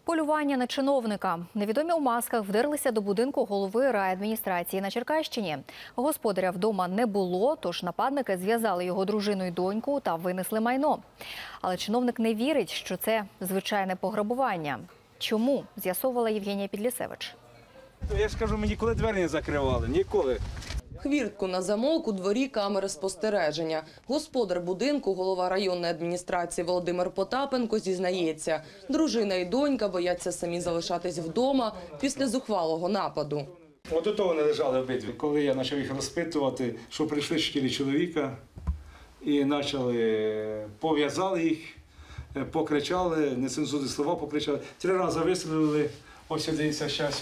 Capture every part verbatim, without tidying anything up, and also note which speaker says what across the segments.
Speaker 1: Полювання на чиновника. Невідомі у масках вдерлися до будинку голови райадміністрації на Черкащині. Господаря вдома не було, тож нападники зв'язали його дружину й доньку та винесли майно. Але чиновник не вірить, що це звичайне пограбування. Чому? З'ясовувала Євгенія Підлісевич.
Speaker 2: Я ж кажу, ми ніколи двері не закривали, ніколи.
Speaker 3: Хвіртку на замок, у дворі камери спостереження. Господар будинку, голова районної адміністрації Володимир Потапенко зізнається, дружина і донька бояться самі залишатись вдома після зухвалого нападу.
Speaker 2: От у того вони лежали обидві. Коли я почав їх розпитувати, що прийшли чотири чоловіка і почали, пов'язали їх, покричали, нецензурні слова покричали. Три рази вистрілили, ось дивіться, зараз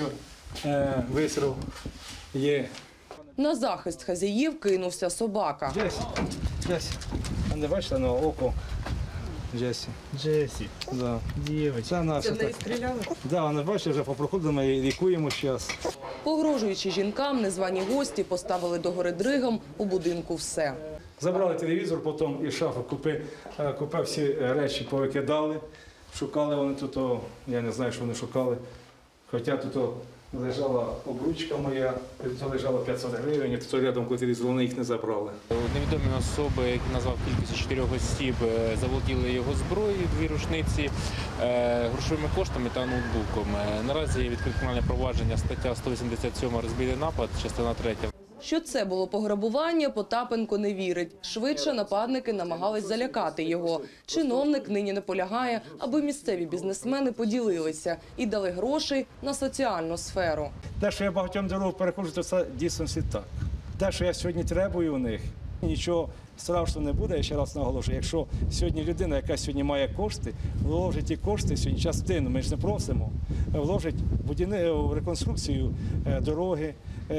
Speaker 2: вистріл є.
Speaker 3: На захист хазяїв кинувся собака.
Speaker 2: Джесі, Джесі. А не бачите, на око Джесі.
Speaker 4: Джесі,
Speaker 2: Да.
Speaker 4: дівчинка.
Speaker 2: Це наша.
Speaker 3: Це в неї стріляли?
Speaker 2: Да, вона, бачите, вже попроходили, ми її лікуємо зараз.
Speaker 3: Погрожуючи жінкам, незвані гості поставили догори дригом у будинку все.
Speaker 2: Забрали телевізор, потім і шафи купи, купи всі речі повикидали. Шукали вони тут, о, я не знаю, що вони шукали. Хоча тут о, лежала обручка моя, тут лежало п'ятсот гривень, тут рядом коли телевізор, вони їх не забрали.
Speaker 4: Невідомі особи, які назвав кількістю чотирьох осіб, заволоділи його зброєю, дві рушниці, грошовими коштами та ноутбуком. Наразі є відкрите кримінальне провадження, стаття сто вісімдесят сім «Розбійний напад», частина третя.
Speaker 3: Що це було пограбування, Потапенко не вірить. Швидше нападники намагались залякати його. Чиновник нині наполягає, аби місцеві бізнесмени поділилися і дали грошей на соціальну сферу.
Speaker 2: Те, що я багатьом дорогу переходжу, то це дійсно так. Те, що я сьогодні требую у них, нічого страшного не буде, я ще раз наголошую. Якщо сьогодні людина, яка сьогодні має кошти, вложить ті кошти, сьогодні частину, ми ж не просимо, вложить в реконструкцію дороги,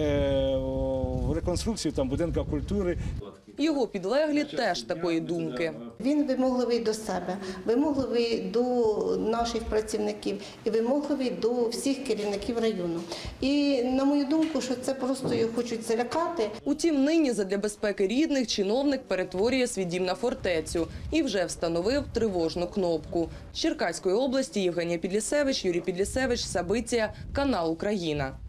Speaker 2: в реконструкцію там, будинку культури.
Speaker 3: Його підлеглі теж такої думки.
Speaker 5: Він вимогливий до себе, вимогливий до наших працівників і вимогливий до всіх керівників району. І, на мою думку, що це просто його хочуть залякати.
Speaker 3: Утім, нині задля безпеки рідних чиновник перетворює свій дім на фортецю і вже встановив тривожну кнопку. З Черкаської області Євгенія Підлісевич, Юрій Підлісевич, Сабиція, канал «Україна».